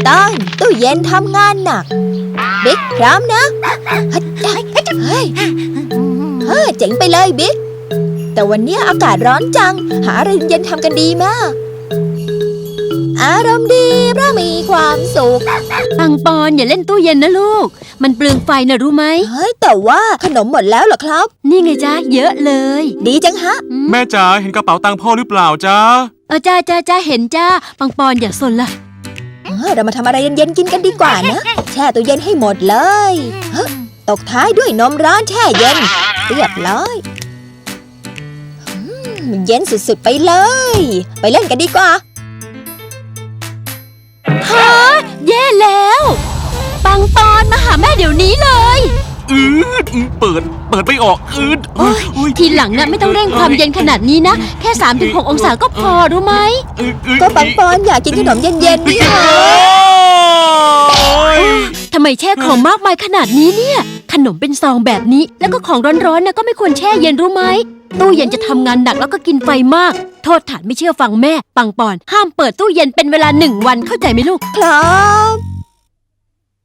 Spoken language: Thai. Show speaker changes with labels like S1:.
S1: ต้องตู้เย็นทำงานหนักบิ๊กพร้อมนะเฮ้ยเจ๋งไปเลยบิ๊กแต่วันนี้อากาศร้อนจังหาอะไรเย็นทำกันดีมากอารมณ์ดีเพราะมีความสุข
S2: ปังปอนอย่าเล่นตู้เย็นนะลูกมันเปลืองไฟนะรู้ไหม
S1: เฮ้ยแต่ว่าขนมหมดแล้วเหรอครับ
S2: นี่ไงจ้าเยอะเลย
S1: ดีจังฮะ
S3: แม่จ๋าเห็นกระเป๋าตังค์พ่อหรือเปล่าจ๊ะ
S2: จ้าเห็นจ้าปังปอนอย่าสนละ
S1: เรามาทำอะไรเย็นๆกินกันดีกว่านะแช่ตู้เย็นให้หมดเลยตกท้ายด้วยนมร้อนแช่เย็นเรียบร้อยเย็นสุดๆไปเลยไปเล่นกันดีกว่า
S2: ฮะแย่แล้วปังปอนมาหาแม่เดี๋ยวนี้เลย
S3: เปิดไม่ออก
S2: ทีหลังน่ะไม่ต้องเร่งความเย็นขนาดนี้นะแค่ 3-6 องศาก็พอรู้ไหม
S1: ก็ปังปอนอยากกินขนมเย็นๆนี่ค่ะ
S2: ทำไมแช่ของมากมายขนาดนี้เนี่ยขนมเป็นซองแบบนี้แล้วก็ของร้อนๆน่ะก็ไม่ควรแช่เย็นรู้ไหมตู้เย็นจะทำงานหนักแล้วก็กินไฟมากโทษฐานไม่เชื่อฟังแม่ปังปอนห้ามเปิดตู้เย็นเป็นเวลา1 วันเข้าใจไหมลูก
S1: ครับ